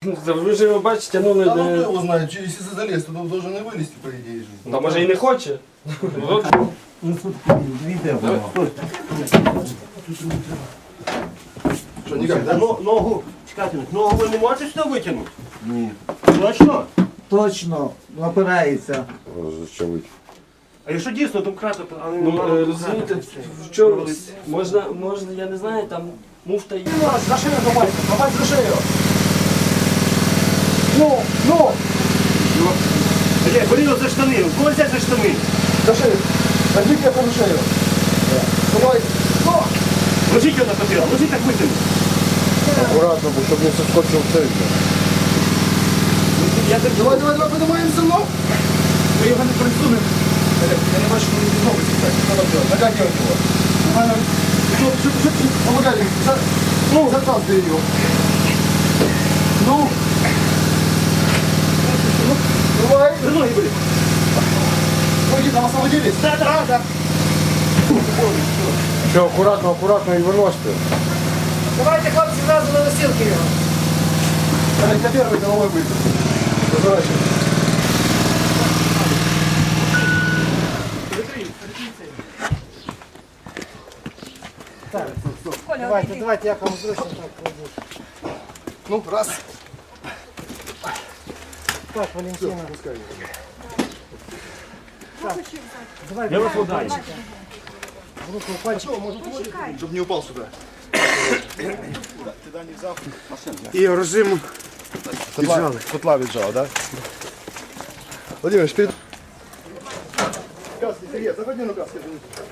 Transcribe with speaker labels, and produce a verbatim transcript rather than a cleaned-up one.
Speaker 1: Ви ж його бачите, ну
Speaker 2: Да, ну кто
Speaker 1: не...
Speaker 2: его знает, че- если залез, то он должен и вылезти, по идее же.
Speaker 1: Та може і не хоче. От.
Speaker 2: Что, никак, да?
Speaker 3: Но- Ногу, чекайте, ногу ви не можете сюди витягнути?
Speaker 2: Нет.
Speaker 3: Точно?
Speaker 4: Точно, опирається.
Speaker 3: А якщо дійсно, то вкрати, але
Speaker 1: Ну, е, розумієте, в чому можна, можна, я не знаю, там муфта є.
Speaker 2: За шею хватит, хватит за шею. Ну, ну,
Speaker 3: Блядь, бери його за штани, у кого взяти за штани?
Speaker 2: за шею. Возьми крепко за шею. Давай. Ну.
Speaker 3: Ложіть його на папір, ложіть так витягнути.
Speaker 5: Аккуратно, бо щоб не соскочив цей.
Speaker 3: Я так
Speaker 2: Давай, давай, давай, поднимаемся, ну. Мы его не присунем. Я не бачу, что не ногу стекать. Что там делать? Натягивать его. Нормально. Что, что, что, что? Помогай, за, ну, заталкивай его. Ну. Ну, давай.
Speaker 3: за ноги бери.
Speaker 2: Ноги там освободились?
Speaker 3: Да, да, да.
Speaker 5: Все, акуратно, акуратно і виносите.
Speaker 4: Давайте, хлопці, зразу на носилки його.
Speaker 2: Давай, на первый головой будет. Разворачивай.
Speaker 4: Давайте, давайте, як вам зручно так кладу.
Speaker 2: Ну, раз.
Speaker 4: Так, Валентина. Давай,
Speaker 3: Я вас водаю.
Speaker 4: в руку пальчик.
Speaker 2: Чтобы не упал сюда.
Speaker 5: І режим
Speaker 2: Віджали. Котла віджав, да? Владимир, перед... Каски, Сергей, заходи на каски.